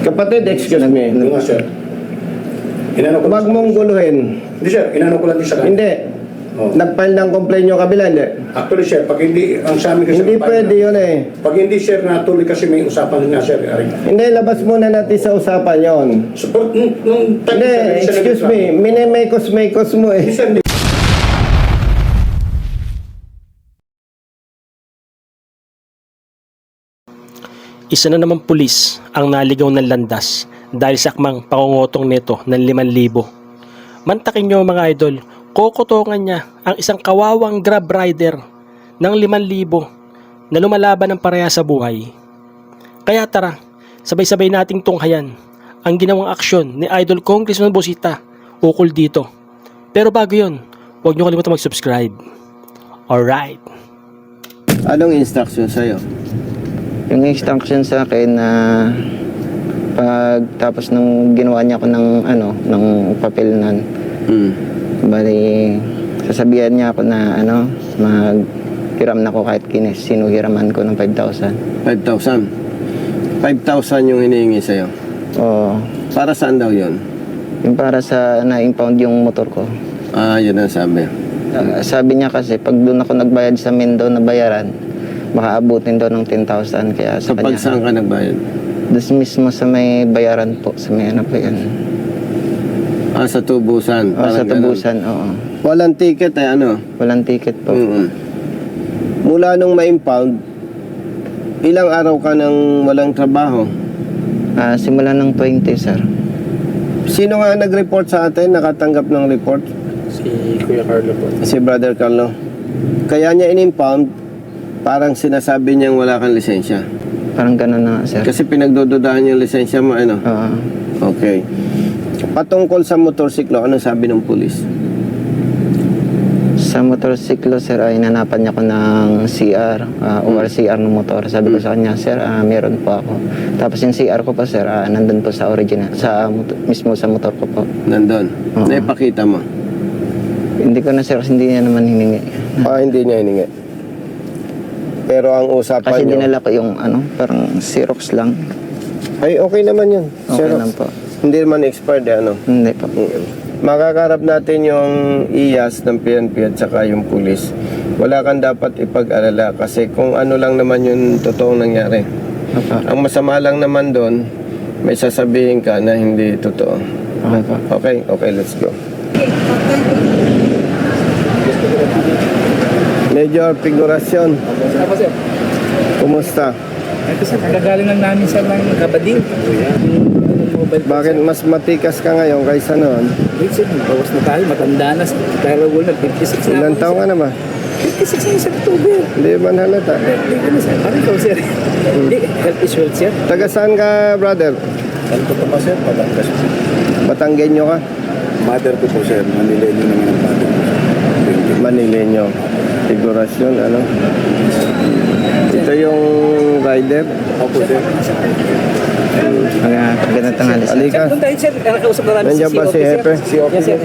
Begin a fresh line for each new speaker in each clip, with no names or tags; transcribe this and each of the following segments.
Kapatid, excuse me.
Ano nga, sir? Inano ko
Huwag mong guluhin.
Hindi, sir. Inano ko lang din sa kanya.
Hindi.
Oh.
Nag-file ng complaint yung kabila, hindi.
Actually, sir, pag hindi, ang sa amin kasi...
Hindi pwede yun eh.
Pag hindi, sir, natuloy kasi may usapan nga, sir.
Hindi, labas muna natin sa usapan yon.
Support, nung time,
Hindi,
sir,
excuse me. Minimekos-mekos mo eh.
Hindi, sir, hindi.
Isa na namang pulis ang naligaw ng landas dahil sa akmang pangungutong nito ng 5,000. Mantakin nyo mga idol, kokotongan niya ang isang kawawang grab rider ng 5,000 na lumalaban ng pareha sa buhay. Kaya tara, sabay-sabay nating tunghayan ang ginawang aksyon ni Idol Congressman Busita ukol dito. Pero bago yun, huwag nyo kalimutan mag-subscribe. Alright.
Anong instruction sa'yo?
Yung instruction sa akin na pag tapos nung ginawa niya ako ng papel nun, bali sasabihan niya ako na maghiram na ako kahit sinuhiraman ko ng 5,000.
5,000? 5,000 yung hinihingi sa'yo?
Oo.
Para saan daw yun?
Yung para sa na-impound yung motor ko.
Ah, yun ang sabi.
Sabi niya kasi pag doon ako nagbayad sa Mendo na bayaran, baka abutin daw ng 10,000 kaya sa
Kapag
kanya.
saan ka nagbayad?
Doon mismo sa may bayaran po, sa may ano po yan.
Ah, sa tubusan?
O, sa
Parang
tubusan, oo.
ganun. Walang ticket eh, ano?
Walang ticket po.
Mula nung ma-impound, ilang araw ka nang walang trabaho?
Simula ng 20, sir.
Sino nga nag-report sa atin, nakatanggap ng report?
Si Kuya Carlo po.
Si Brother Carlo. Kaya niya in-impound, parang sinasabi niyang wala kang lisensya.
Parang gano'n na nga, sir.
Kasi pinagdududahan yung lisensya mo, ano?
Oo.
Okay. Patungkol sa motorsiklo, anong sabi ng pulis?
Sa motorsiklo, sir, ay nanapan niya ko ng CR, ORCR ng motor. Sabi ko sa kanya, sir, meron po ako. Tapos yung CR ko po, sir, nandun po sa original, mismo sa motor ko po.
Nandun.
Oo.
Naipakita mo?
Hindi ko na, sir, kasi hindi niya naman hiningi.
Hindi niya hiningi. Pero ang usapan
Kasi
niyo...
dinala ko yung, parang Xerox lang.
Ay, okay naman yun.
Okay
Xerox.
lang po.
Hindi naman expired, ano?
Hindi po.
Makakarap natin yung IAS ng PNP at saka yung pulis. Wala kang dapat ipag-alala kasi kung ano lang naman yung totoong nangyari.
Opo.
Ang masama lang naman doon, may sasabihin ka na hindi totoo.
Okay po.
Okay, let's go. Major Figuracion,
Ako, sir.
kumusta?
Ito, sir. Nagagaling lang namin sa ng Kabading. Mobile phone,
Bakit mas matikas ka ngayon kaysa noon?
Wait, sir. Bawas na tayo. Matanda na. Pero wala. 56 na
Ilan
ako,
taong
sir.
ka na ba?
56 na sa October.
Hindi man halata.
Hindi ko na, sir. Ano ikaw, sir? Hindi. Health insurance, sir.
Taga saan ka, brother?
Ano ko pa, sir? Patangas.
Batanggenyo ka?
Mother ko po, sir. Manilenyo naman ang mother ko.
Manileño. Figurasyon, ano? Ito yung rider.
Opo, sir.
Magandang tanghali, sir.
Halika.
Sir, doon tayo, sir. Nakausap na namin
Nandiyan ba si Hepe?
Si Yes, sir.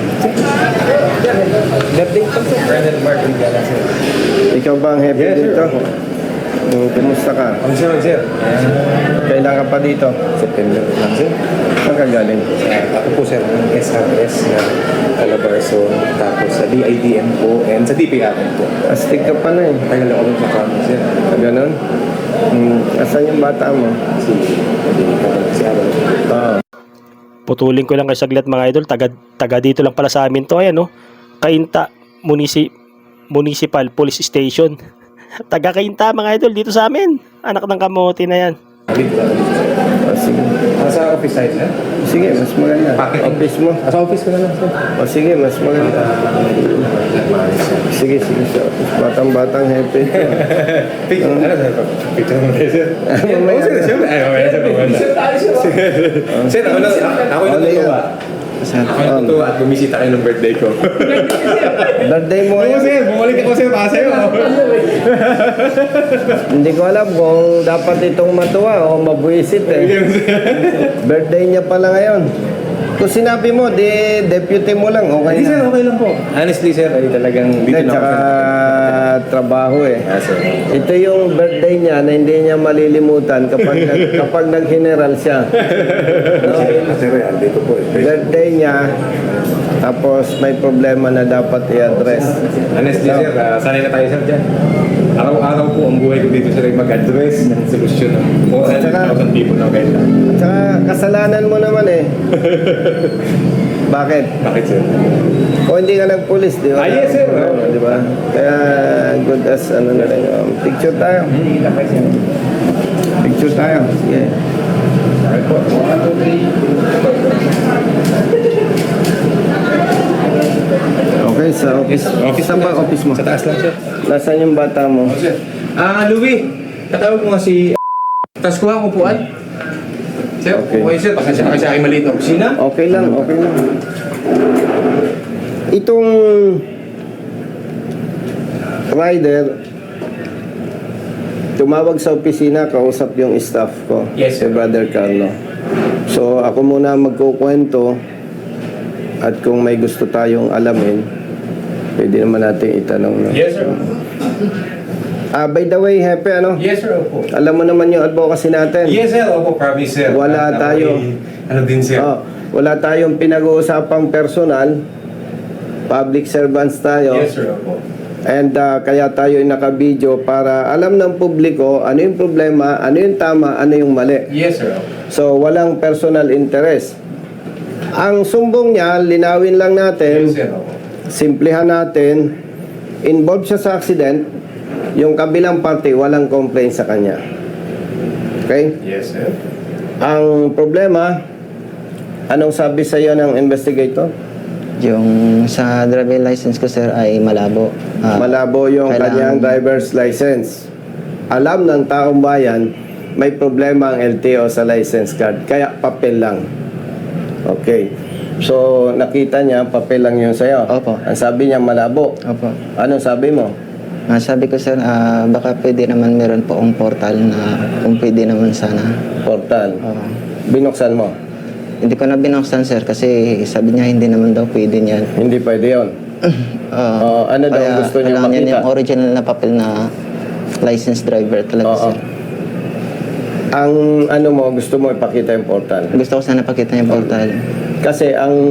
Birthday pa, sir.
Ikaw ba ang hepe dito? Kumusta ka?
Sir.
Kailan ka pa dito?
September lang, sir.
Saan ka galing?
Ako po, sir, ng SRS na Calabarzon, tapos sa DIDM po, and sa DPR po.
Astig ka pa na eh.
Tagal ako dun sa kamo, sir.
Ganon? Asan yung bata mo?
Si Aaron.
Oo.
Putulin ko lang kay saglit mga idol, taga dito lang pala sa amin to, ayan no. Kainta Municipal Police Station. Taga Kainta mga idol dito sa amin. Anak ng kamote na yan.
Sige.
Sa office side, sir?
Sige, mas maganda. Office mo?
Sa office ko na lang, sir.
Sige, mas maganda. Sige, sa office. Batang-batang happy.
Picture, ano, sir? Picture mo tayo, sir.
Mamaya.
Sir, siyempre. Ay, mamaya, sir. Sir, ako na natutuwa. Ako natutuwa at bumisita kayo ng birthday ko.
Birthday mo
Oo,
ngayon?
sir. Bumalik ako, sir. Para sa'yo.
Hindi ko alam kung dapat itong matuwa o mabuisit eh. Birthday niya pala ngayon. Kung sinabi mo, di deputy mo lang, okay
Hindi sir,
na.
okay lang po. Honestly sir, ay talagang dito
Hindi,
na ako
tsaka trabaho eh.
Ah, sir.
Ito yung birthday niya na hindi niya malilimutan kapag nag-general siya. No?
Sir, yan, dito po eh.
Birthday niya, tapos may problema na dapat i-address.
Honestly sir, sanay na tayo sir dyan. Araw-araw po ang buhay ko dito sir ay mag-address ng solusyon ng more than 1,000 people na kayo.
Tsaka kasalanan mo naman eh. Bakit?
Bakit sir?
O hindi ka nagpulis, di ba?
Ah, yes, sir.
Di ba? Kaya good as ano na rin. Picture tayo. Picture tayo. Sige. Okay, sa office. Saan ba office mo?
Sa taas lang sir.
Nasaan yung bata mo?
Sir. Louie, katawag ko nga si tapos kuha ko puan. Sir, okay sir, pasensya na kasi aking maliit na opisina.
Okay lang, okay lang. Itong rider, tumawag sa opisina, kausap yung staff ko.
Yes,
Si
sir.
Brother Carlo. So, ako muna magkukwento at kung may gusto tayong alamin, pwede naman natin itanong. No?
Yes sir.
By the way, Hepe, ano?
Yes sir, opo.
Alam mo naman yung advocacy natin.
Yes sir, opo, promise sir.
Wala
At
tayo.
ako'y, Ano din sir?
Oh, wala tayong pinag-uusapang personal. Public servants tayo.
Yes sir, opo.
And kaya tayo ay naka-video para alam ng publiko ano yung problema, ano yung tama, ano yung mali.
Yes sir, opo.
So, walang personal interest. Ang sumbong niya, linawin lang natin,
Yes sir, opo.
simplihan natin, involved siya sa accident, yung kabilang party, walang complaint sa kanya. Okay?
Yes sir.
Ang problema, anong sabi sa iyo ng investigator?
Yung sa driver license ko, sir, ay malabo.
Malabo yung
kailangan-
kanyang driver's license. Alam ng taong bayan, may problema ang LTO sa license card. Kaya papel lang. Okay. So, nakita niya, papel lang yun sa'yo.
Opo.
Ang sabi niya, malabo.
Opo.
Anong sabi mo?
Sabi ko, sir, baka pwede naman meron po akong portal na kung pwede naman sana.
Portal.
Oo.
Binuksan mo.
Hindi ko na binuksan, sir, kasi sabi niya hindi naman daw pwede niyan.
Hindi pwede yun. Ano daw
Kaya
gusto niya
kailangan niya
makita?
yung original na papel na licensed driver talaga,
Oo.
sir.
Ang ano mo, gusto mo ipakita yung portal.
Gusto ko sana pakita yung portal.
Kasi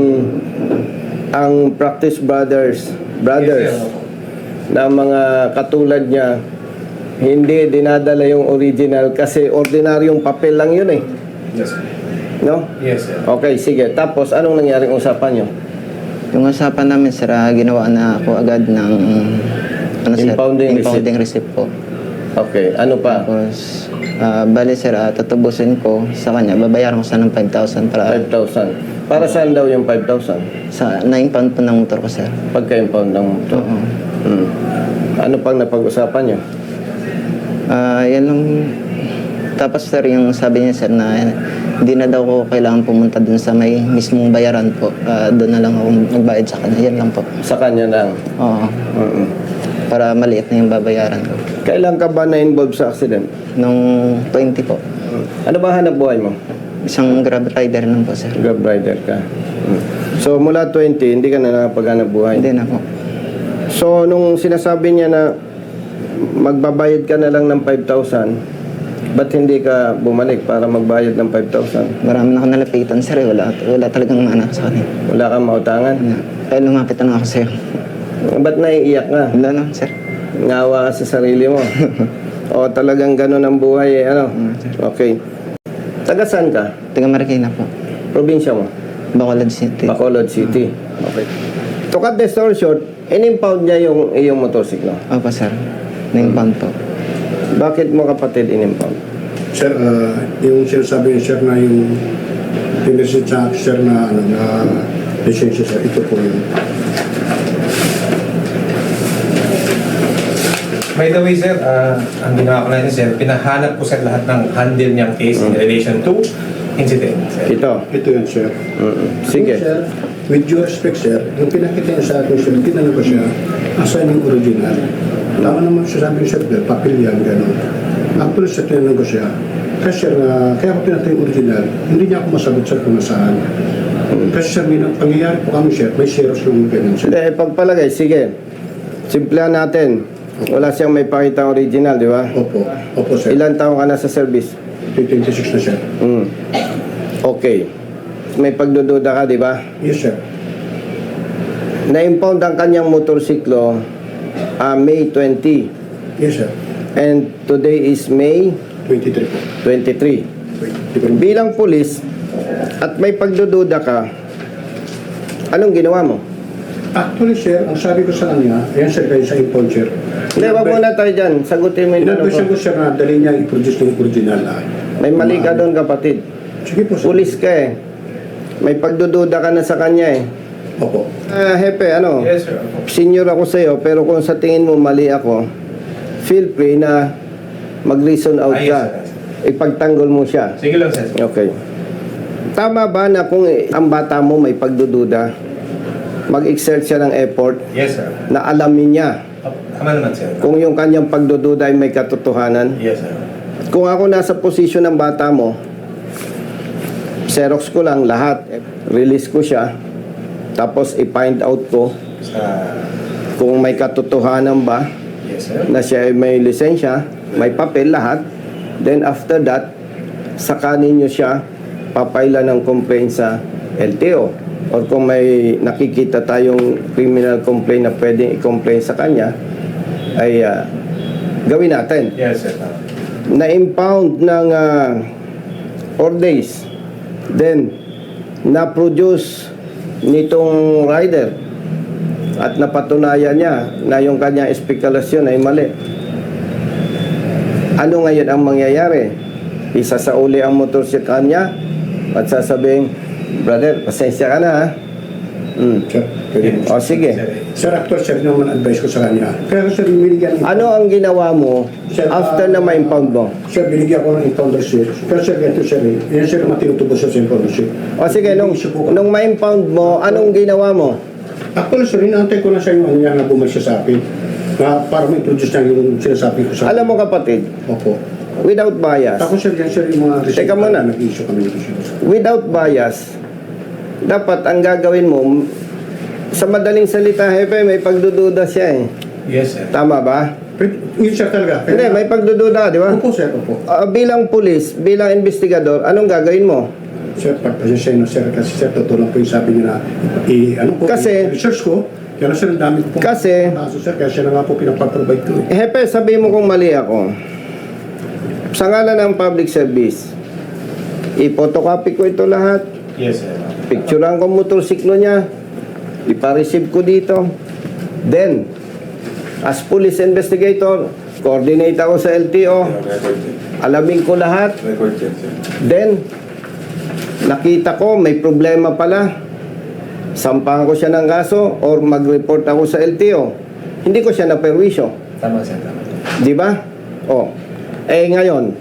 ang practice brothers
Yes, sir.
na mga katulad niya, hindi dinadala yung original kasi ordinaryong papel lang yun eh.
Yes sir.
No?
Yes sir.
Okay, sige. Tapos, anong nangyaring usapan nyo?
Yung usapan namin, sir, ginawa na ako agad ng sir,
Impounding
receipt po.
Okay, ano pa?
Tapos, bali, sir, tutubusin ko sa kanya. Babayaran ko sana ng 5,000 para
5,000. Para saan daw yung 5,000?
sa 9 pound po ng motor ko, sir.
Pagka-impound ng motor.
Oo.
Ano pang napag-usapan nyo?
Yan lang. Tapos, sir, yung sabi niya, sir, na hindi na daw ko kailangan pumunta dun sa may mismong bayaran po. Doon na lang ako magbayad sa kanya. Yan lang po.
Sa kanya lang.
Oo.
Mm-mm.
Para maliit na yung babayaran ko.
Kailan ka ba na-involve sa accident?
Nung 20 po.
Ano ba hanap buhay mo?
Isang grab rider lang po, sir.
Grab rider ka. So, mula 20, hindi ka na nakapaghanap buhay?
Hindi na po.
So, nung sinasabi niya na magbabayad ka na lang ng 5,000, ba't hindi ka bumalik para magbayad ng 5,000?
Marami na ako nalapitan, sir. Wala talagang anak sa kanya.
Wala kang mautangan?
Kaya lumapit na ako sa'yo.
Ba't naiiyak ka?
Wala na, sir.
Ngawa ka sa sarili mo? O talagang ganun ang buhay eh, ano? Okay. Taga saan ka?
Taga Marikina po.
Probinsya mo?
Bacolod City.
Bacolod City. Okay. To cut the story short, in-impound niya yung iyong motorsiklo.
Opo, sir. 9 pound po.
Bakit mo kapatid in-impound?
Sir, yung sinasabi niya, sir, na yung pinisit sa sir na, na lisensya, sir, ito po yun.
By the way, sir, ang ginawa ko na yun, sir, pinahanap ko sir lahat ng handle niyang case in relation to incident, sir.
Ito.
Ito yun, sir.
Sige.
Sir, with due respect, sir, yung pinakita niya sa akin, sir, tinanong ko siya, asan yung original? Tama naman siya, sabi niya, sir, papel yan, gano'n. Actually, sir, tinanong ko siya, kasi sir, kaya ko pinatay yung original, hindi niya ako masagot, sir, kung nasaan. Kasi sir, may pangyayari po kami sir, may zeros ng ganun sir.
Hindi, pagpalagay, sige. Simplihan natin. Wala siyang may pakita original, di ba?
Opo, opo sir.
Ilan taong ka na sa service?
26 na sir.
Okay. May pagdududa ka, di ba?
Yes sir.
Na-impound ang kanyang motorsiklo May 20.
Yes sir.
And today is May
23 po.
23. Bilang pulis at may pagdududa ka, anong ginawa mo?
Actually sir, ang sabi ko sa kanya, ayan sir, kayo sa impound sir.
Hindi, wag muna tayo dyan. Sagutin mo yung tanong
Inadvice
ko.
ko sir na dali niya i-produce ng original.
May mali ka doon, kapatid.
Sige po sir.
Pulis ka eh. May pagdududa ka na sa kanya eh.
Opo.
Hepe, ano?
Yes, sir.
Senior ako sa'yo, pero kung sa tingin mo mali ako, feel free na mag-reason out
Yes,
ka.
sir.
Ipagtanggol mo siya.
Sige lang, sir.
Okay. Tama ba na kung ang bata mo may pagdududa, mag-exert siya ng effort
Yes, sir.
na alamin niya
Tama naman, sir.
kung yung kanyang pagdududa ay may katotohanan?
Yes, sir.
Kung ako nasa posisyon ng bata mo, Xerox ko lang lahat, release ko siya, tapos i-find out ko
Sa...
kung may katotohanan ba
Yes, sir.
na siya ay may lisensya, may papel lahat. Then after that, saka ninyo siya papaila ng complaint sa LTO. Or kung may nakikita tayong criminal complaint na pwedeng i-complain sa kanya, ay gawin natin.
Yes, sir.
Na-impound ng 4 days. Then, na-produce nitong rider at napatunayan niya na yung kanyang espekulasyon ay mali. Ano ngayon ang mangyayari? Isasauli ang motorsiklo niya at sasabihin, brother, pasensya ka na ha.
Sir, pwede po.
O sige.
Sir, actually sir, yun naman advice ko sa kanya. Pero sir, binigyan
Ano ang ginawa mo after na ma-impound mo?
Sir, binigyan ko ng impound receipt. Pero sir, ganito sir, yan sir, matinutubos sa information.
O sige, nung ma-impound mo, anong ginawa mo?
Actually sir, inaantay ko na sa yung ano yan na bumalik siya sa akin. Na para may produce niya yung sinasabi ko sa
Alam mo kapatid,
Opo.
without bias,
Tapos sir, yan sir, yung mga receipt.
Teka muna.
Nag-issue kami ng receipt.
without bias, dapat ang gagawin mo, sa madaling salita, hepe, may pagdududa siya eh.
Yes, sir.
Tama ba?
Yun sir talaga.
Hindi, may pagdududa, di ba?
Opo sir, opo.
Bilang pulis, bilang investigador, anong gagawin mo?
Sir, pagpasensya no sir, kasi sir, totoo lang po yung sabi niya na, ano po,
Kasi-
research ko, kaya sir, ang dami ko po.
Kasi-
kaso sir, kaya siya na nga po pinapaprovide ko.
Hepe, sabihin mo kung mali ako. Sa ngalan ng public service, ipotocopy ko ito lahat,
Yes, sir.
picturean ko motorsiklo niya, ipa-receive ko dito. Then, as police investigator, coordinate ako sa LTO,
Record, sir.
alamin ko lahat.
Record, sir.
Then, nakita ko may problema pala. Sampahan ko siya ng kaso or mag-report ako sa LTO. Hindi ko siya naperwisyo.
Tama, sir. Tama.
Di ba? O. Ngayon,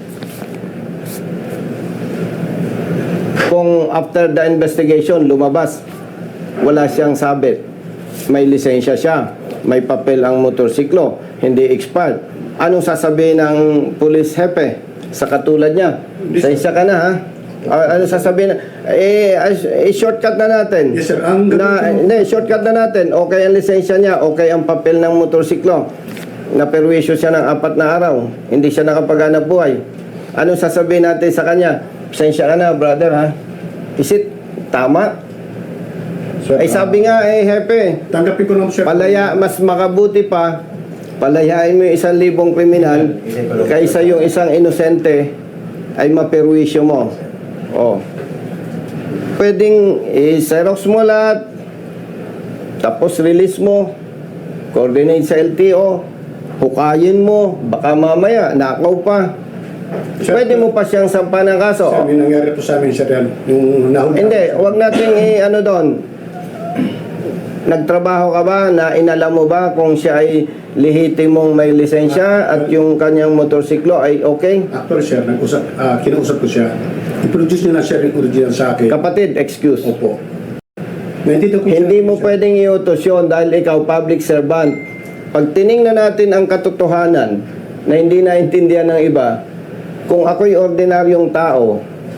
kung after the investigation lumabas, wala siyang sabit, may lisensya siya, may papel ang motorsiklo, hindi expired, anong sasabihin ng police hepe sa katulad niya? Lisensya ka na ha? Ano sasabihin? Shortcut na natin.
Yes, sir. Ang
Hindi, shortcut na natin. Okay ang lisensya niya, okay ang papel ng motorsiklo. Naperwisyo siya ng 4 na araw. Hindi siya nakapaghanap buhay. Anong sasabihin natin sa kanya? Pasensya ka na, brother, ha? Is it tama?
Sir,
Ay sabi nga, hepe,
tanggapin ko naman sir.
palaya, mas makabuti pa, palayain mo yung 1,000 kriminal kaysa yung isang inosente ay maperwisyo mo. Oh. Pwedeng i-xerox mo lahat, tapos release mo, coordinate sa LTO, hukayin mo, baka mamaya, nakaw pa.
Sir,
Pwede mo pa siyang sampa ng kaso.
Sir, may nangyari po sa amin sir yan. Yung nahuli.
Hindi, wag nating ano doon. Nagtrabaho ka ba na inalam mo ba kung siya ay lehitimong may lisensya at yung kanyang motorsiklo ay okay?
Actually sir, kinausap ko siya. I-produce niya na sir yung original sa akin.
Kapatid, excuse.
Opo. Nandito ko
Hindi
sir,
mo
sir.
pwedeng iutos yun dahil ikaw public servant. Pag tiningnan natin ang katotohanan na hindi naintindihan ng iba, kung ako'y ordinaryong tao,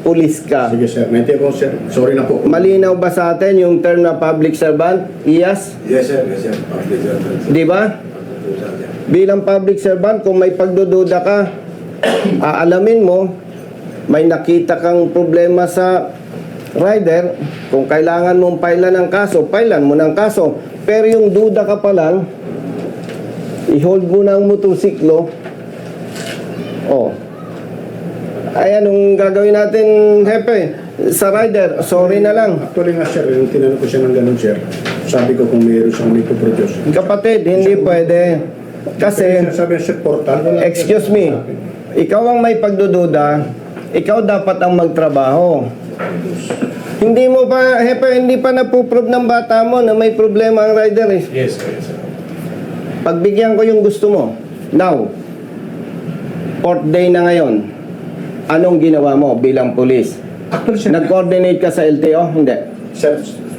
pulis ka.
Sige sir, naintindihan ko sir. Sorry na po.
Malinaw ba sa atin yung term na public servant? Yes?
Yes sir, yes sir.
Di ba? Bilang public servant, kung may pagdududa ka, aalamin mo, may nakita kang problema sa rider, kung kailangan mong pailan ng kaso, pailan mo ng kaso. Pero yung duda ka pa lang, i-hold mo na ang motorsiklo. Oh. Ay, anong gagawin natin, Hepe? Sa rider, sorry na lang.
Actually nga sir, yung tinanong ko siya ng ganun sir, sabi ko kung mayroon siyang may produce.
Kapatid, hindi pwede. Kasi,
sabi niya sir, portal. Wala
excuse me, ikaw ang may pagdududa, ikaw dapat ang magtrabaho. Hindi mo pa, Hepe, hindi pa napuprove ng bata mo na may problema ang rider eh.
Yes, sir.
Pagbigyan ko yung gusto mo. Now, 4th day na ngayon, anong ginawa mo bilang pulis?
Actually sir,
Nag-coordinate ka sa LTO? Hindi.
sir,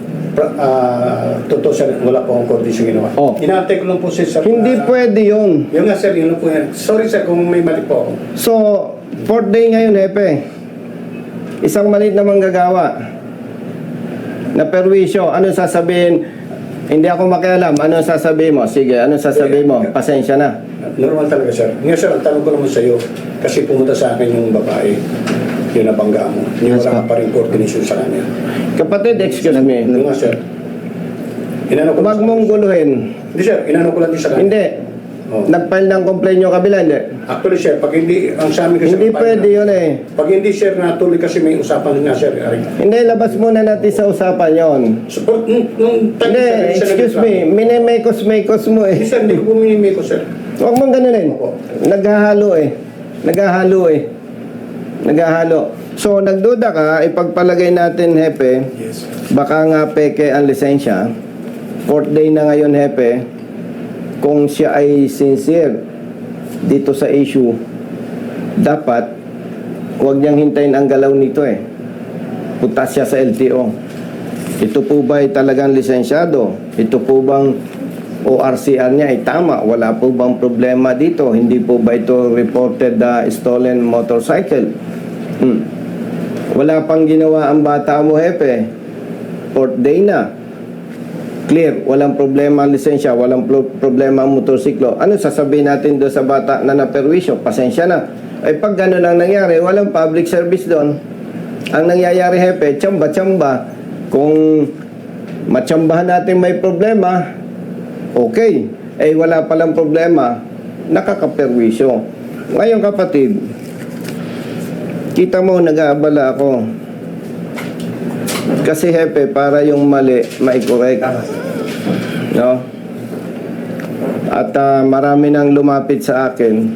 totoo sir, wala po akong coordination ginawa.
Oh.
Inaantay ko lang po sir.
Hindi pwede yun.
Yung nga sir, yun lang po yan. Sorry sir kung may mali po ako.
So, 4th day ngayon, Hepe. Isang maliit na manggagawa na perwisyo. Ano sasabihin? Hindi ako makialam. Ano sasabihin mo? Sige, ano sasabihin mo? Pasensya na.
Normal talaga sir. Ngayon sir, ang tanong ko naman sa iyo, kasi pumunta sa akin yung babae, yung nabangga mo. Yung
Yes,
wala ka
po.
pa rin coordination sa kanya.
Kapatid, excuse me.
Yung nga sir, inano ko
Huwag mong guluhin.
Hindi sir, inano ko lang din sa kanya.
Hindi.
Oh.
Nag-file ng complaint yung kabila, hindi.
Actually sir, pag hindi, ang sa amin kasi...
Hindi pwede yun eh.
Pag hindi sir, natuloy kasi may usapan nga sir.
Hindi, labas muna natin sa usapan yon.
So, nung time
Hindi,
sir,
excuse me. Minimekos-mekos mo
Hindi
eh.
sir, hindi ko puminimay ko sir.
Huwag mong ganunin.
Opo.
Naghahalo eh. Naghahalo eh. Naghahalo. So, nagduda ka, ipagpalagay natin, Hepe,
Yes.
baka nga peke ang lisensya. 4th day na ngayon, Hepe, kung siya ay sincere dito sa issue, dapat huwag niyang hintayin ang galaw nito eh. Punta siya sa LTO. Ito po ba ay talagang lisensyado? Ito po bang ORCR niya ay tama? Wala po bang problema dito? Hindi po ba ito reported stolen motorcycle? Wala pang ginawa ang bata mo, Hepe. 4th day na. Clear, walang problema ang lisensya, walang problema ang motorsiklo. Ano sasabihin natin doon sa bata na naperwisyo? Pasensya na. Ay pag gano'n ang nangyari, walang public service doon. Ang nangyayari, Hepe, tsamba-tsamba. Kung matsambahan natin may problema, okay. Eh wala palang problema, nakakaperwisyo. Ngayon kapatid, kita mo nag-aabala ako. Kasi Hepe, para yung mali, mai-correct. No? At marami nang lumapit sa akin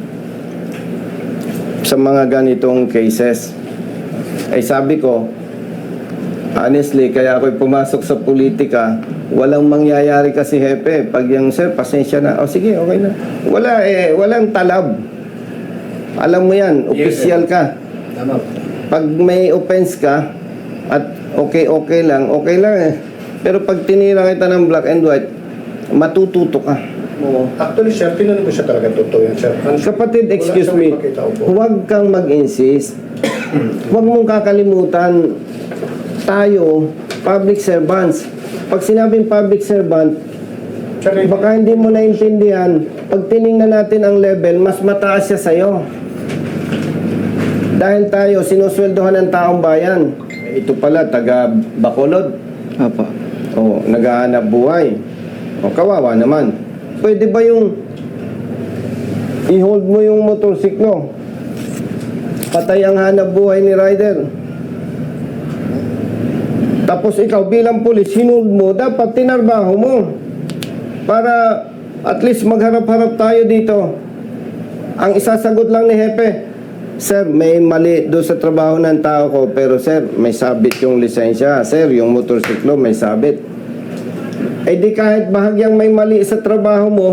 sa mga ganitong cases. Ay sabi ko, honestly, kaya ako'y pumasok sa politika, walang mangyayari kasi Hepe. Pag yung sir, pasensya na. O sige, okay na. Wala eh, walang talab. Alam mo yan, official ka. Pag may offense ka, at okay lang eh. Pero pag tinira kita ng black and white, matututo ka.
Oo. Actually sir, tinanong ko siya talaga totoo yan sir.
Kapatid,
Wala
excuse
siyang
me,
ipakita ko po.
huwag kang mag-insist. Huwag mong kakalimutan, tayo, public servants. Pag sinabing public servant,
Sir,
baka hindi mo naintindihan, pag tiningnan natin ang level, mas mataas siya sa'yo. Dahil tayo, sinusweldohan ng taong bayan. Ito pala, taga Bacolod.
Opo.
O, naghahanap buhay. O, kawawa naman. Pwede ba yung i-hold mo yung motorsiklo? Patay ang hanap buhay ni rider. Tapos ikaw bilang pulis, hinold mo, dapat tinarbaho mo. Para at least magharap-harap tayo dito. Ang isasagot lang ni Hepe, sir, may mali doon sa trabaho ng tao ko, pero sir, may sabit yung lisensya. Sir, yung motorsiklo may sabit. Eh di kahit bahagyang may mali sa trabaho mo,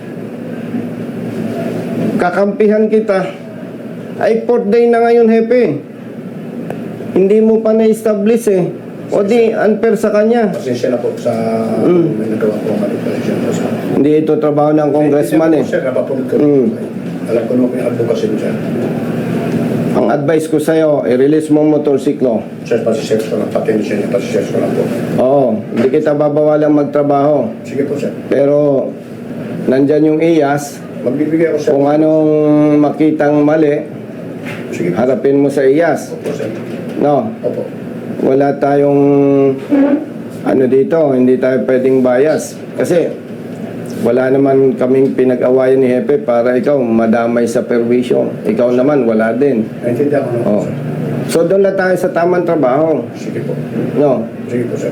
kakampihan kita. Ay 4th day na ngayon, Hepe. Hindi mo pa na-establish eh. O di, unfair sa kanya.
Pasensya na po sa may nagawa po mali. Pasensya po sa...
Hindi ito trabaho ng congressman eh.
Sir, napapulot ko.
Mm.
Alam ko naman yung advocacy mo sir.
Ang advice ko sa'yo, i-release mo ang motorsiklo.
Sir, pasisearch ko lang. Pati-lisensya niya, pasisearch ko lang po.
Oo, hindi kita babawalang magtrabaho.
Sige po, sir.
Pero, nandyan yung IAS.
Magbibigay ako, sir.
Kung anong makitang mali,
Sige po.
harapin mo sa IAS.
Opo, sir.
No,
Opo.
wala tayong ano dito, hindi tayo pwedeng bias. Kasi, wala naman kaming pinag-awayan ni Hepe para ikaw madamay sa perwisyo. Ikaw naman, wala din.
Naintindihan ko naman po,
Oh.
sir.
So, doon na tayo sa tamang trabaho.
Sige po.
No?
Sige po, sir.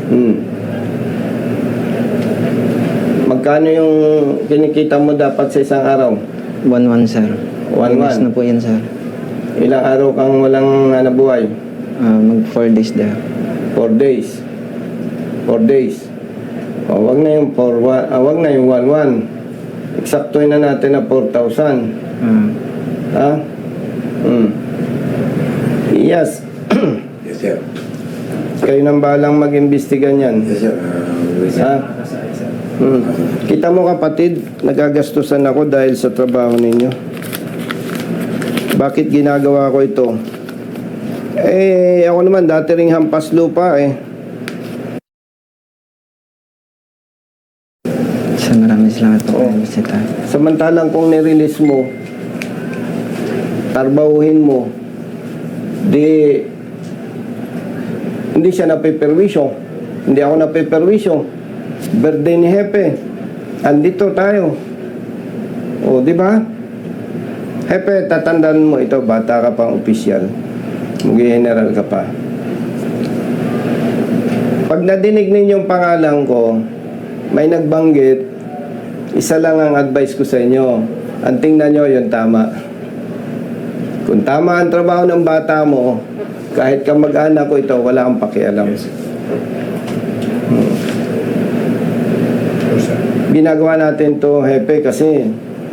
Magkano yung kinikita mo dapat sa isang araw?
1-1, sir.
1-1.
Iwas na po yan, sir.
Ilang araw kang walang buhay?
Mag 4 days there.
4 days. 4 days. O, wag na yung 1-1. Eksaktuin na natin na 4,000. Ha? Yes.
Yes, sir.
Kayo nang balang mag-imbestiga niyan.
Yes, sir.
Ha? Kita mo kapatid, nagagastusan ako dahil sa trabaho ninyo. Bakit ginagawa ko ito? Ako naman dati ring hampas lupa
Sir, maraming salamat po kayo, Mr. Tay.
Samantalang kung nirelease mo, tarbahuhin mo, hindi siya napiperwisyo. Hindi ako napiperwisyo. Birthday ni Hepe. Andito tayo. O, di ba? Hepe, tatandaan mo ito, bata ka pang opisyal. Mag-general ka pa. Pag nadinig ninyong pangalan ko, may nagbanggit, isa lang ang advice ko sa inyo. Ang tingnan nyo, yung tama. Kung tama ang trabaho ng bata mo, kahit ka mag-anak ko ito, wala kang pakialam. Ginagawa natin to, Hepe, kasi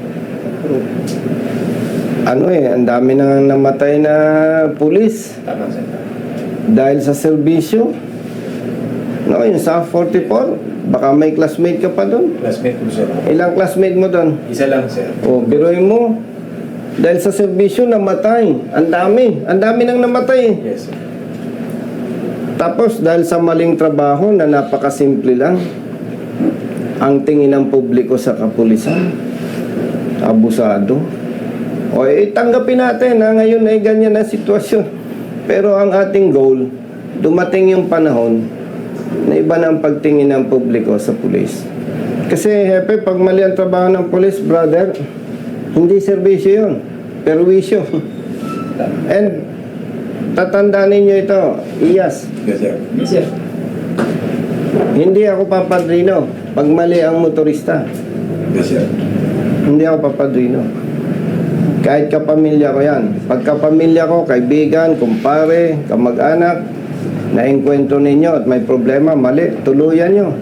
ang dami nang namatay na pulis
Tama, sir.
dahil sa serbisyo. No, yung sa 44, baka may classmate ka pa doon.
Classmate ko, sir.
Ilang classmate mo doon?
Isa lang, sir.
O, biruin mo. Dahil sa serbisyo, namatay. Ang dami nang namatay.
Yes, sir.
Tapos, dahil sa maling trabaho na napakasimple lang, ang tingin ng publiko sa kapulisan, abusado. O, tanggapin natin na ngayon ay ganyan na sitwasyon. Pero ang ating goal, dumating yung panahon na iba na ang pagtingin ng publiko sa pulis. Kasi, Hepe, pag mali ang trabaho ng pulis, brother, hindi serbisyo yun, perwisyo. And, tatandaan ninyo ito, IAS,
Yes, sir.
Yes, sir.
hindi ako papadrino pag mali ang motorista.
Yes, sir.
Hindi ako papadrino. Kahit kapamilya ko yan. Pag kapamilya ko, kaibigan, kumpare, kamag-anak, naengkwentro ninyo at may problema, mali, tuluyan nyo.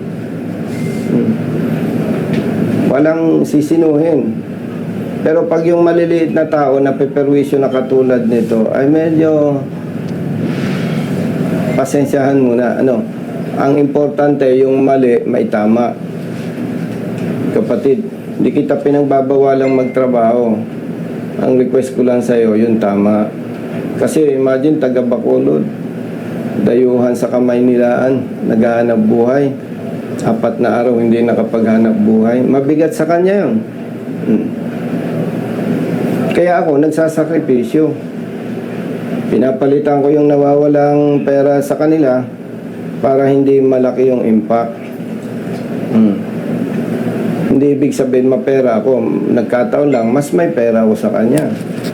Walang sisinuhin. Pero pag yung maliliit na tao na peperwisyo na katulad nito, ay medyo pasensyahan muna. Ang importante yung mali, may tama. Kapatid, hindi kita pinagbabawalang magtrabaho. Ang request ko lang sa'yo, yung tama. Kasi imagine, taga Bacolod, dayuhan sa Kamaynilaan, naghahanap buhay. 4 na araw hindi nakapaghanap buhay. Mabigat sa kanya yun. Kaya ako, nagsasakripisyo. Pinapalitan ko yung nawawalang pera sa kanila para hindi malaki yung impact. Hindi ibig sabihin mapera ako. Nagkataon lang, mas may pera ako sa kanya.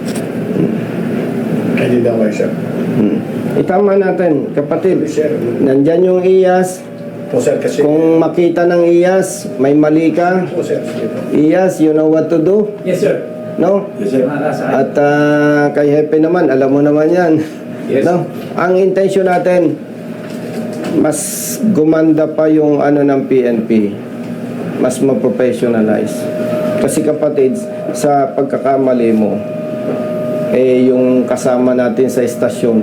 Hindi daw kayo, sir.
Itama natin, kapatid.
Sir.
Nandyan yung IAS.
Po, sir, kasi...
Kung makita ng IAS, may mali ka.
Po, sir. Sige po.
IAS, you know what to do.
Yes, sir.
No?
Yes, sir.
At kay Hepe naman, alam mo naman yan.
Yes.
No? Ang intention natin, mas gumanda pa yung ng PNP. Mas ma-professionalize. Kasi kapatid, sa pagkakamali mo, yung kasama natin sa estasyon,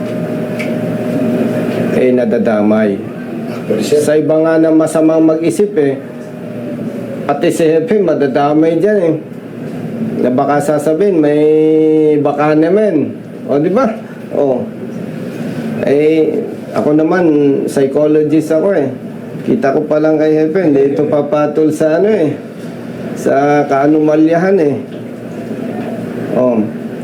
nadadamay. Sa iba nga na masamang mag-isip pati si Hepe madadamay dyan na baka sasabihin may baka naman O, di ba? O. Eh, ako naman, psychologist ako eh. Kita ko pa lang kay Hepe, hindi ito papatol sa ano eh. Sa kaanumalyahan eh. O.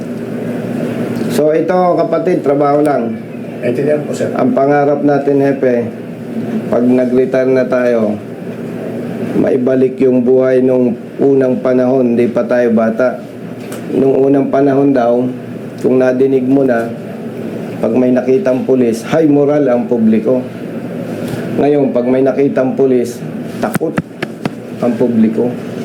So, ito kapatid, trabaho lang.
Naintindihan po, sir.
Ang pangarap natin, Hepe, pag nag-retire na tayo, maibalik yung buhay nung unang panahon, hindi pa tayo bata. Nung unang panahon daw, kung nadinig mo na, pag may nakitang pulis, high moral ang publiko. Ngayon, pag may nakitang pulis, takot ang publiko.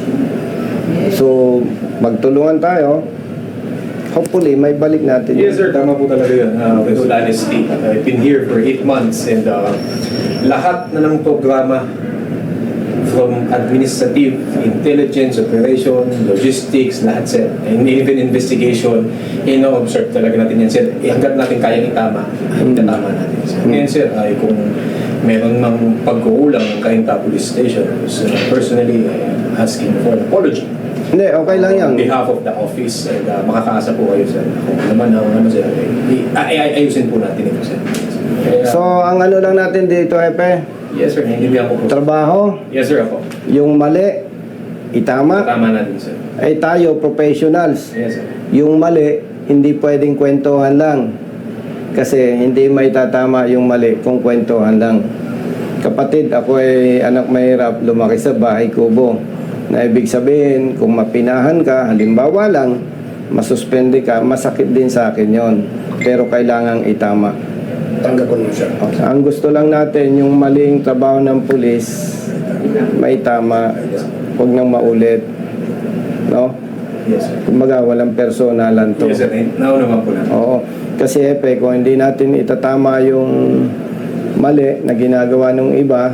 So, magtulungan tayo. Hopefully, may balik natin.
Yes sir, tama po talaga yun. With all honesty, I've been here for 8 months and lahat na ng programa from administrative, intelligence, operation, logistics, lahat sir. And even investigation, ino-observe talaga natin yan sir. Hanggat natin kayang itama, itatama natin sir. Ngayon sir, ay kung meron ng pagkukulang ng Cainta Police Station, so personally, I'm asking for an apology.
Hindi, okay lang yan.
On behalf of the office, and makakaasa po kayo sir. Kung naman ang ano sir, ayusin po natin ito sir. Kaya,
So, ang ano lang natin dito, Hepe,
yes sir, naintindihan ko po.
trabaho,
Yes sir, ako.
yung mali, itama.
Tama natin sir.
Ay tayo, professionals.
Yes sir.
Yung mali, hindi pwedeng kwentuhan lang. Kasi hindi may tatama yung mali kung kwentuhan lang. Kapatid, ako ay anak mahirap, lumaki sa bahay kubo. Na ibig sabihin, kung mapinahan ka, halimbawa lang, masuspende ka, masakit din sa akin yon. Pero kailangang itama.
Tanggap ko naman, sir.
Ang gusto lang natin, yung maling trabaho ng pulis, may tama, huwag nang maulit. No?
Yes sir.
Kumbaga, walang personalan to.
Yes sir, naman po natin.
Oo. Kasi Hepe, kung hindi natin itatama yung mali na ginagawa ng iba,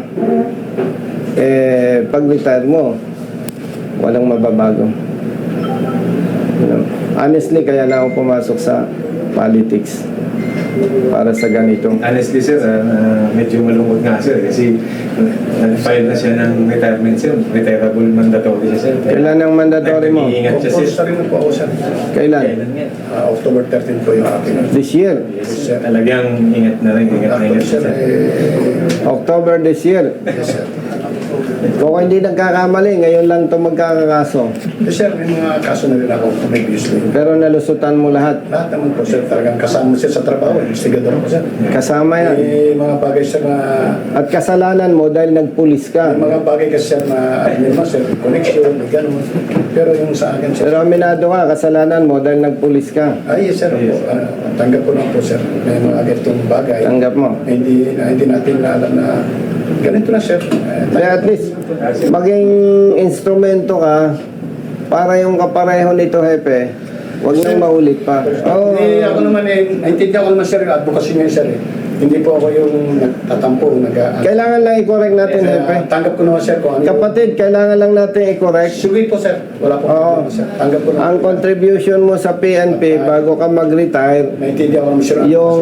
eh, pag-retire mo, walang mababago. You know? Honestly, kaya na ako pumasok sa politics para sa ganito.
Honestly sir, medyo malungkot nga sir kasi nag-file na siya ng retirement sir. Retirable mandatory siya sir.
Kailan ang mandatory mo?
Nag-iingat siya sir.
Sa rin na po ako, sir.
Kailan?
Kailan nga?
October 13 po yung akin.
This year.
Yes sir. Talagang ingat na rin. Ingat na ingat
Sir,
sir.
October this year.
yes, sir.
Kung hindi nagkakamali, ngayon lang ito magkakakaso.
Yes, sir, may mga kaso na rin ako previously.
Pero nalusutan mo lahat.
Lahat naman po, sir, talagang kasama sir sa trabaho. Investigador ako, sir.
Kasama yan.
May mga bagay, sir, na...
At kasalanan mo dahil nagpulis ka.
May mga bagay kasi, sir, na naman, sir, connection, may ganun. Pero yung sa akin, sir...
Pero aminado ka, kasalanan mo dahil nagpulis ka.
Ay, yes, sir.
Yes.
Tanggap ko lang po, sir. May mga ganitong bagay.
Tanggap mo.
Na hindi natin na alam na ganito na, sir.
Kaya at least, maging instrumento ka para yung kapareho nito, Hepe, huwag nang maulit pa. Oh,
Ako naman naintindihan ko naman, sir, yung advocacy niya, sir. Hindi po ako yung nagtatampo,
kailangan lang i-correct natin, Hepe.
tanggap ko naman, sir, kung ano.
Kapatid, kailangan lang natin i-correct.
Sige po, sir. Wala po
Oo.
problema, sir. Tanggap ko naman.
Ang contribution mo sa PNP bago ka mag-retire,
Naintindihan ko naman, sir.
yung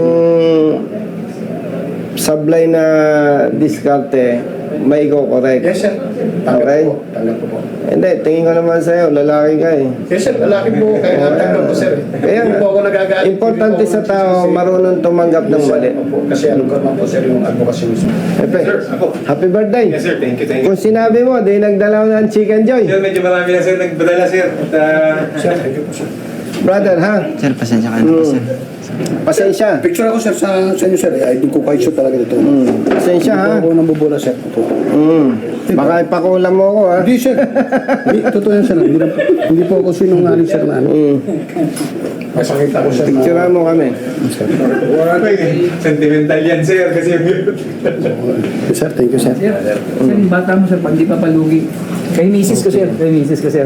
sablay na diskarte, may i-correct.
Yes, sir. Tanggap
Okay.
ko po. Tanggap ko po.
Hindi, tingin ko naman sa'yo, lalaki ka eh.
Yes, sir. Lalaki po. Kaya nga tanggap ko, sir.
Kaya
Hindi po ako nagagalit.
importante
Hindi po
sa
ako
tao,
nagsisisi.
marunong tumanggap ng
Yes, sir.
mali.
Opo. Kasi ano ko naman po, sir, yung advocacy mo, sir.
Hepe,
Sir, ako.
happy birthday.
Yes sir, thank you, thank you.
Kung sinabi mo, di nagdala ko ng chicken joy.
Sir, medyo marami na sir nagbadala sir. At,
Sir, thank you po, sir.
Brother, ha?
Sir, pasensya ka na po, sir.
Pasensya.
Picture ako, sir, sa inyo, sir. Ay, hindi ko kahit sure talaga dito.
Pasensya, ha?
Hindi po ako nambubula, sir. Opo.
Baka ipakulam mo ako, ha?
Hindi, sir. Hindi, totoo yan, sir. Hindi po ako sinungaling, sir, na ano. Masakit ako, sir.
Picture mo kami.
sentimental yan sir kasi
Sir, thank you, sir.
Sir, yung bata mo, sir, pag di pa palugi. Kay misis ko, sir. Kay misis ko, sir.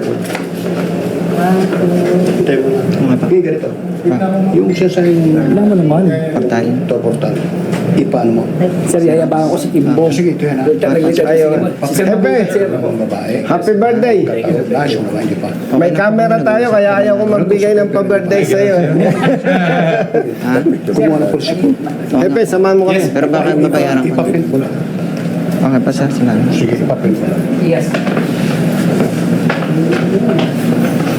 Tayo mo na. Okay, ganito. Yung siya sa
Alam mo naman.
Portal.
ito, portal. Ipaano mo?
Sir, yayabangan ko si Kimbo.
Sige, ito yan, ha?
Ayun.
Si Sir
Hepe.
Mabait, sir.
Ang babae.
Happy birthday.
Flash, yung babae, hindi pa.
May camera tayo, kaya ayaw ko magbigay ng pa-birthday sa'yo.
Ha?
Kumuha na po siya po.
Hepe, samahan mo kami.
Pero bakit mabayaran ko?
Ipaprint mo lang.
Okay pa, sir. Salamat.
Sige, ipaprint mo lang.
Yes.